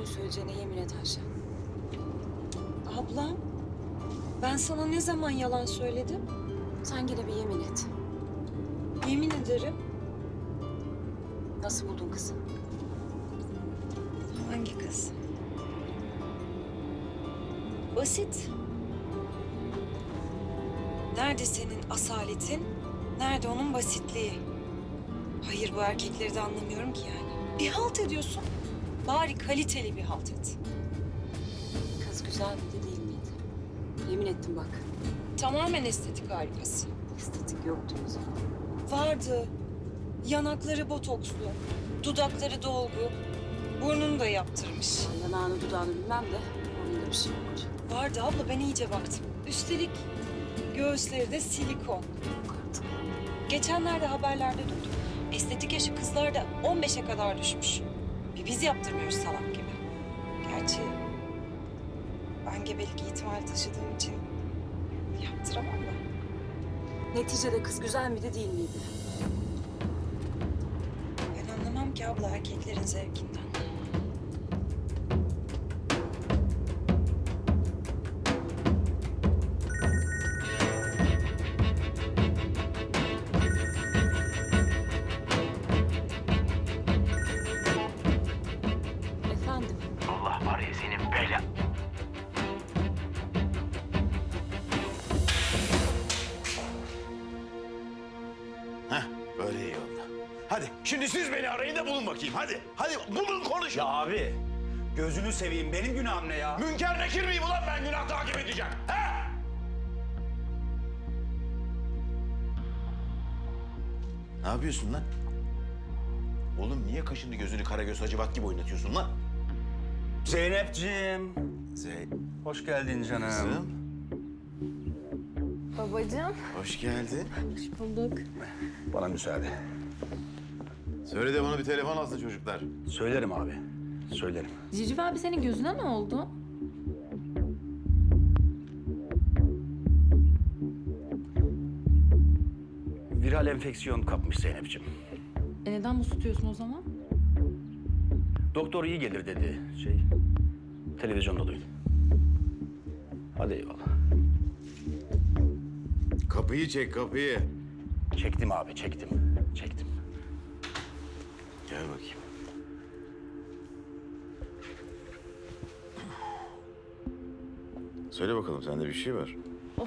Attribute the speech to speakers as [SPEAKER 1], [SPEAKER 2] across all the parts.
[SPEAKER 1] söyleyeceğine yemin et Ayşe.
[SPEAKER 2] Ablam, ben sana ne zaman yalan söyledim?
[SPEAKER 1] Sen gene bir yemin et.
[SPEAKER 2] Yemin ederim.
[SPEAKER 1] Nasıl buldun kızı?
[SPEAKER 2] Hangi kız? Basit. Nerede senin asaletin? Nerede onun basitliği? Hayır, bu erkekleri de anlamıyorum ki yani. Bir halt ediyorsun. Bari kaliteli bir halt et.
[SPEAKER 1] Kız güzel miydi değil miydi? Yemin ettim bak.
[SPEAKER 2] Tamamen estetik harikası.
[SPEAKER 1] Estetik yoktu o zaman.
[SPEAKER 2] Vardı. Yanakları botokslu, dudakları dolgu, burnunu da yaptırmış.
[SPEAKER 1] Yanağını dudağını bilmem de onun da bir şey yoktu.
[SPEAKER 2] Vardı abla, ben iyice baktım. Üstelik göğüsleri de silikon.
[SPEAKER 1] Yok artık.
[SPEAKER 2] Geçenlerde haberlerde duydum. Estetik yaşı kızlarda 15'e kadar düşmüş. Biz yaptırmıyoruz salak gibi. Gerçi ben gebelik ihtimali taşıdığım için yaptıramam da.
[SPEAKER 1] Neticede kız güzel miydi değil miydi?
[SPEAKER 2] Ben anlamam ki abla erkeklerin zevkinden.
[SPEAKER 1] Efendim?
[SPEAKER 3] Allah var ya senin bela. Heh, böyle iyi oldu. Hadi şimdi siz beni arayın da bulun bakayım. Hadi, hadi bulun konuşun.
[SPEAKER 4] Ya abi, gözünü seveyim. Benim günahım ne ya?
[SPEAKER 3] Münker nekir miyim ulan ben günah takip edeceğim? He? Ne yapıyorsun lan? Oğlum niye kaşını gözünü Karagöz Hacivat gibi oynatıyorsun lan?
[SPEAKER 4] Zeynepciğim.
[SPEAKER 3] Zeyn...
[SPEAKER 4] Hoş geldin canım.
[SPEAKER 3] Kızım,
[SPEAKER 5] Babacığım.
[SPEAKER 3] hoş geldin.
[SPEAKER 5] Hoş bulduk.
[SPEAKER 4] Bana müsaade.
[SPEAKER 3] Söyle de bana bir telefon alsın çocuklar.
[SPEAKER 4] Söylerim abi. Söylerim.
[SPEAKER 5] Civciv abi senin gözüne ne oldu?
[SPEAKER 4] Viral enfeksiyon kapmış Zeynepciğim.
[SPEAKER 5] Neden buz tutuyorsun o zaman?
[SPEAKER 4] Doktor iyi gelir dedi. Televizyonda duydum. Hadi eyvallah.
[SPEAKER 3] Kapıyı çek kapıyı.
[SPEAKER 4] Çektim abi, çektim. Çektim.
[SPEAKER 3] Gel bakayım. Söyle bakalım sende bir şey var.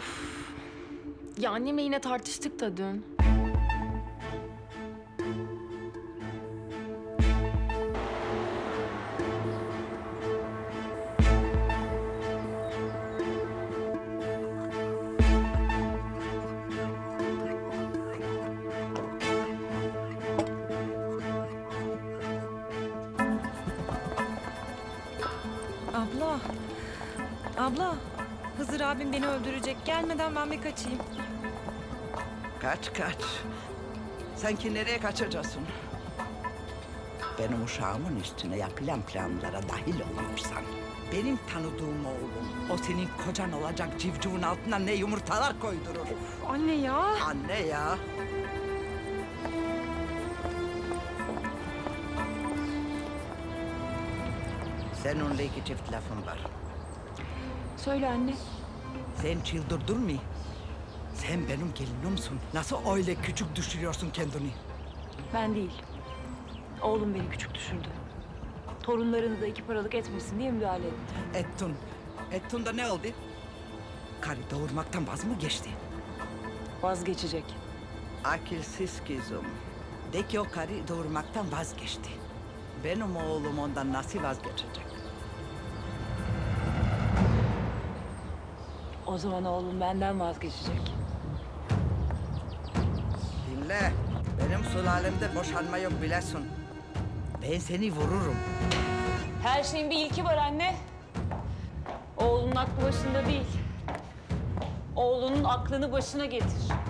[SPEAKER 5] Ya annemle yine tartıştık da dün.
[SPEAKER 2] Abla, abla. Hızır abim beni öldürecek. Gelmeden ben bir kaçayım.
[SPEAKER 6] Kaç kaç. Sanki nereye kaçacaksın? Benim uşağımın üstüne yapılan planlara dahil olursan... ...benim tanıdığım oğlum, o senin kocan olacak civcivin altına ne yumurtalar koydurur.
[SPEAKER 5] Anne ya.
[SPEAKER 6] Anne ya. Seninle iki çift lafım var.
[SPEAKER 5] Söyle anne.
[SPEAKER 6] Sen çıldırdın mı? Sen benim gelinimsin. Nasıl öyle küçük düşürüyorsun kendini?
[SPEAKER 7] Ben değil. Oğlum beni küçük düşürdü. Torunlarını da iki paralık etmesin diye müdahale etti.
[SPEAKER 6] Ettin. Ettin de ne oldu? Karı doğurmaktan vaz mı geçti?
[SPEAKER 7] Vazgeçecek.
[SPEAKER 6] Akılsız kızım. De ki o karı doğurmaktan vazgeçti. Benim oğlum ondan nasıl vazgeçecek?
[SPEAKER 7] O zaman oğlum benden vazgeçecek.
[SPEAKER 6] Dinle. Benim sülalemde boşanma yok bilesin. Ben seni vururum.
[SPEAKER 7] Her şeyin bir ilki var anne. Oğlunun aklı başında değil. Oğlunun aklını başına getir.